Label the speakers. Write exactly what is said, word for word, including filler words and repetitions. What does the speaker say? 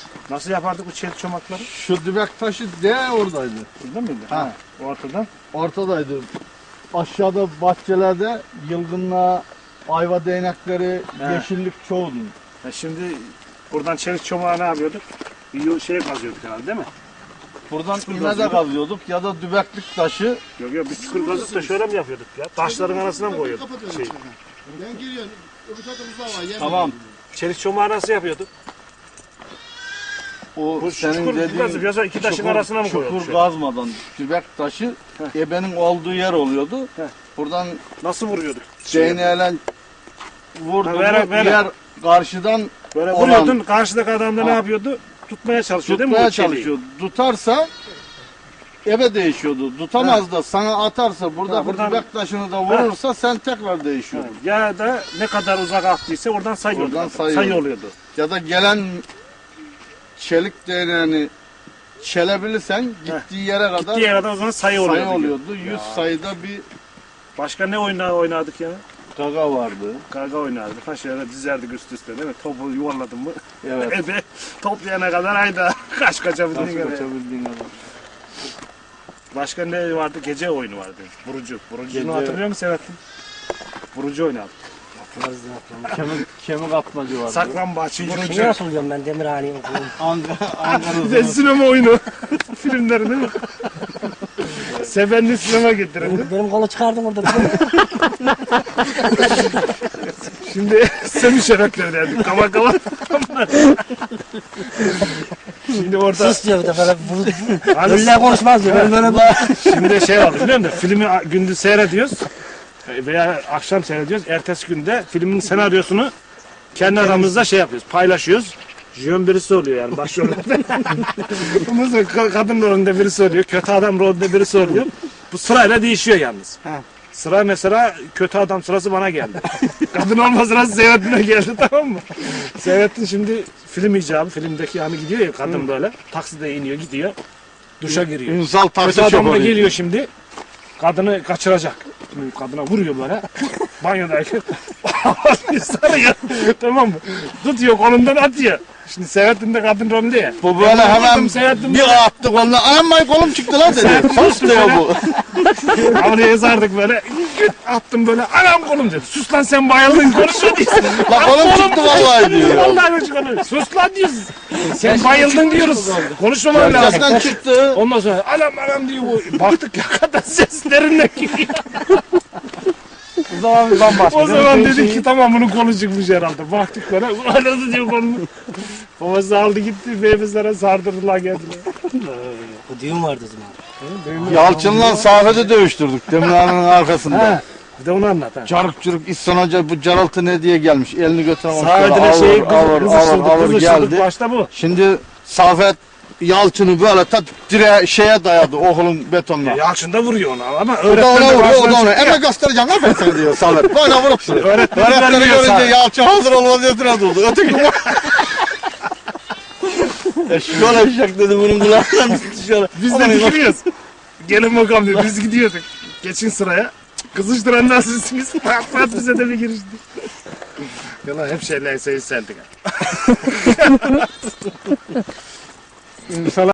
Speaker 1: Nasıl yapardık bu çelik çomakları?
Speaker 2: Şu dübek taşı de oradaydı.
Speaker 1: Burada mıydı?
Speaker 2: Ha.
Speaker 1: Ha. Ortadan.
Speaker 2: Ortadaydı. Aşağıda bahçelerde yılgınlığa, ayva değnekleri,
Speaker 1: He.
Speaker 2: yeşillik çoğuldu.
Speaker 1: Ya şimdi buradan çelik çomağı ne yapıyorduk? Bir şey kazıyorduk herhalde değil mi?
Speaker 2: Buradan
Speaker 1: Çukur
Speaker 2: iğne de
Speaker 1: kazıyorduk.
Speaker 2: kazıyorduk ya da dübeklik taşı.
Speaker 1: Yok yok bir çukur kazıp da şöyle mi yapıyorduk ya? Taşların arasına mı koyuyorduk? Şey.
Speaker 3: Ben giriyorum. Öbür tarafta buzağı var. Yer
Speaker 2: Tamam.
Speaker 1: Çelik çomağı nasıl yapıyorduk?
Speaker 2: O
Speaker 1: Bu
Speaker 2: senin
Speaker 1: çukur
Speaker 2: dediğin
Speaker 1: kazıp yoksa iki taşın
Speaker 2: çukur-
Speaker 1: arasına mı koyuyorduk?
Speaker 2: Çukur
Speaker 1: şöyle?
Speaker 2: kazmadan dübek taşı ebenin olduğu yer oluyordu.
Speaker 1: Heh.
Speaker 2: Buradan
Speaker 1: Nasıl vuruyorduk?
Speaker 2: değneğiyle vurdu
Speaker 1: Ha, böyle,
Speaker 2: mu
Speaker 1: böyle.
Speaker 2: yer karşıdan
Speaker 1: Böyle
Speaker 2: olan-
Speaker 1: vuruyordun, karşıdaki adam da ne
Speaker 2: Ha.
Speaker 1: yapıyordu? Tutmaya çalışıyor değil mi?
Speaker 2: tutmaya
Speaker 1: bu çeliği?
Speaker 2: çalışıyor. Tutarsa ebe değişiyordu. Tutamaz da sana atarsa burada
Speaker 1: Ha, buradan-
Speaker 2: dübek taşını da vurursa sen tekrar değişiyordun.
Speaker 1: Ya da ne kadar uzak attıysa oradan sayıyordu.
Speaker 2: Oradan
Speaker 1: adam.
Speaker 2: sayıyordu.
Speaker 1: Sayı oluyordu.
Speaker 2: Ya da gelen çelik değneğini çelebilirsen gittiği yere kadar
Speaker 1: Gittiği yere o zaman sayı oluyordu.
Speaker 2: sayı oluyordu. yüz sayıda bir
Speaker 1: Başka ne oyna oynardık ya?
Speaker 2: gaga vardı.
Speaker 1: Karga oynardık. Ha şöyle dizerdik üst üste değil mi? Topu yuvarladın mı?
Speaker 2: Evet.
Speaker 1: Ebe toplayana kadar hayda kaç kaçabildiğin
Speaker 2: Nasıl
Speaker 1: kadar.
Speaker 2: kaçabildiğin kadar.
Speaker 1: Başka ne vardı? Gece oyunu vardı. Vurucu. Vurucunu
Speaker 2: Gece-
Speaker 1: hatırlıyor musun Selahattin? Vurucu oynardık.
Speaker 2: Kemik, kemik atmacı vardı.
Speaker 1: Saklambaç,
Speaker 4: Şeyi
Speaker 1: vurucu.
Speaker 4: nasıl hocam ben Demirhane'yi okudum.
Speaker 2: Ankara, Ankara
Speaker 1: Bir de sinema oyunu. Filmleri değil mi? Sevenli sinema getirildi.
Speaker 4: Benim, benim kolu çıkardım orada.
Speaker 1: Şimdi semi şerefleri derdik. Kama kama. Şimdi orada
Speaker 4: Sus diyor bir de böyle.
Speaker 1: Hani-
Speaker 4: Öyle konuşmaz diyor. Ben böyle
Speaker 1: şimdi şey oldu biliyor musun? Filmi gündüz seyrediyoruz veya akşam seyrediyoruz. Ertesi günde filmin senaryosunu kendi aramızda şey yapıyoruz, paylaşıyoruz. Jön birisi oluyor yani başrollerde. Ondan sonra ka- kadın rolünde birisi oluyor, kötü adam rolünde birisi oluyor. Bu sırayla değişiyor yalnız. Sıra mesela kötü adam sırası bana geldi. Kadın olma sırası Seyrettin'e geldi tamam mı? Seyrettin şimdi film icabı, filmdeki yani gidiyor ya kadın böyle. Takside iniyor gidiyor. Duşa giriyor.
Speaker 2: Ünsal
Speaker 1: Kötü
Speaker 2: taksi
Speaker 1: adam da
Speaker 2: şoförü.
Speaker 1: geliyor şimdi. Kadını kaçıracak. Şimdi kadına vuruyor böyle. Banyodayken. sarıyor. Tamam mı? Tutuyor kolundan atıyor. Şimdi Seyrettin de kadın rolünde ya.
Speaker 2: Bu böyle
Speaker 1: Ben
Speaker 2: hemen
Speaker 1: vurdum, Seyrettin
Speaker 2: bir
Speaker 1: böyle.
Speaker 2: attı koluna. Anam bay kolum çıktı lan dedi. Sus diyor bu.
Speaker 1: Havluya yazardık böyle. Güt attım böyle. Anam kolum dedi. Sus lan sen bayıldın konuşuyor diyorsun.
Speaker 2: La kolum çıktı vallahi diyor.
Speaker 1: Vallahi çıkıyor. Sus lan diyorsun. Sen bayıldın diyoruz. Konuşmaman lazım.
Speaker 2: Gerçekten çıktı.
Speaker 1: Ondan sonra anam anam diyor bu. Baktık ya kadar ses derinden geliyor.
Speaker 2: O zaman bir bambaşka.
Speaker 1: O zaman dedik ki tamam bunun kolu çıkmış herhalde. Baktık böyle. Anası diyor kolunu. Babası aldı gitti. Beyefizlere sardırdılar geldiler.
Speaker 4: Bu düğün vardı o zaman.
Speaker 2: Yalçın'la Safet'i dövüştürdük Demirhane'nin arkasında.
Speaker 1: Ha. Bir de onu anlat ha.
Speaker 2: Çarık çürük İhsan Hoca bu Caraltı ne diye gelmiş. Elini götürememiş.
Speaker 1: Sahadine şeyi
Speaker 2: Ağır ağır
Speaker 1: kızıştırdık.
Speaker 2: ağır
Speaker 1: Kızıştırdık
Speaker 2: geldi.
Speaker 1: başta bu.
Speaker 2: Şimdi Safet Yalçın'ı böyle ta dire şeye dayadı okulun betonuna.
Speaker 1: Yalçın da vuruyor ona ama
Speaker 2: O da
Speaker 1: öğretmen
Speaker 2: ona
Speaker 1: de
Speaker 2: vuruyor, o
Speaker 1: karşıdan
Speaker 2: da ona.
Speaker 1: çıkıyor.
Speaker 2: Eme göstereceğim lan ben sana diyor Safet. Böyle vurup duruyor.
Speaker 1: Öğretmen
Speaker 2: Öğretmeni
Speaker 1: vermiyor
Speaker 2: görünce
Speaker 1: Safet.
Speaker 2: Yalçın hazır olmaz diye itiraz oldu. Öteki bu. Eşkol eşek dedi bunun kulağından dışarı.
Speaker 1: Biz de dikiliyoruz. Gelin bakalım diyor. Biz gidiyorduk. Geçin sıraya. Kızıştıranlar sizsiniz. Pat pat bize de bir girişti. Yalan hep şeyler seyir seldik.